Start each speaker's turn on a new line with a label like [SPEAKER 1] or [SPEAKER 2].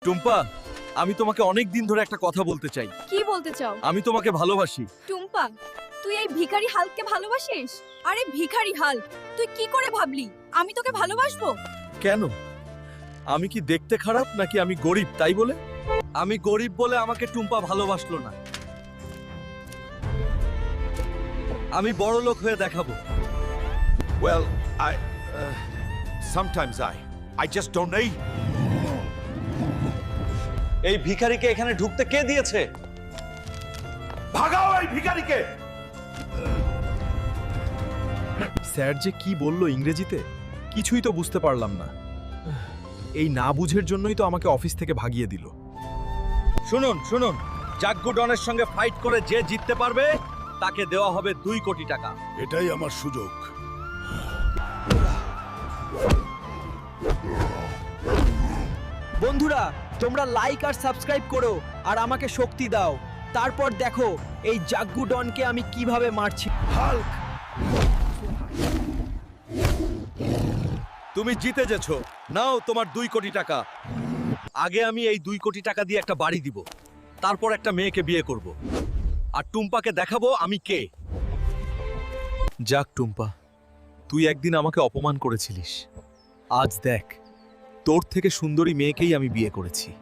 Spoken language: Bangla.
[SPEAKER 1] টুম্পা, আমি তোমাকে অনেক দিন ধরে একটা কথা বলতে চাই।
[SPEAKER 2] কি বলতে চাও?
[SPEAKER 1] আমি তোমাকে ভালোবাসি।
[SPEAKER 2] টুম্পা, তুই এই ভিখারি হাল্ককে ভালোবাসিস? আরে ভিখারি হাল্ক, তুই কি করে ভাবলি আমি তোকে ভালোবাসবো?
[SPEAKER 1] কেন? আমি কি দেখতে খারাপ নাকি আমি গরিব তাই বলে? আমি গরিব বলে আমাকে টুম্পা ভালোবাসলো না। আমি বড় লোক হয়ে দেখাবো।
[SPEAKER 3] Well, sometimes I just don't know.
[SPEAKER 1] এই ভিখারিকে এখানে ঢুকতে কে দিয়েছে?
[SPEAKER 3] ভাগাও এই ভিখারিকে!
[SPEAKER 4] স্যার যে কি বললো ইংরেজিতে কিছুই তো বুঝতে পারলাম না। এই না বুঝের জন্যই তো আমাকে অফিস থেকে ভাগিয়ে দিল।
[SPEAKER 1] শুনুন শুনুন, জাগ্গু ডনের সঙ্গে ফাইট করে যে জিততে পারবে তাকে দেওয়া হবে 2 কোটি টাকা।
[SPEAKER 3] এটাই আমার সুযোগ।
[SPEAKER 5] বন্ধুরা, তোমরা লাইক আর সাবস্ক্রাইব করো আর আমাকে শক্তি দাও। তারপর দেখো এই জাগ্গু ডনকে আমি কিভাবে মারছি।
[SPEAKER 3] হাল্ক!
[SPEAKER 1] তুমি জিতে গেছো, নাও তোমার 2 কোটি টাকা। আগে আমি এই 2 কোটি টাকা দিয়ে একটা বাড়ি দিব, তারপর একটা মেয়েকে বিয়ে করব, আর টুম্পাকে দেখাবো আমি কে। যাক টুম্পা, তুই একদিন আমাকে অপমান করেছিলিস, আজ দেখ তোর থেকে সুন্দরী মেয়েকেই আমি বিয়ে করেছি।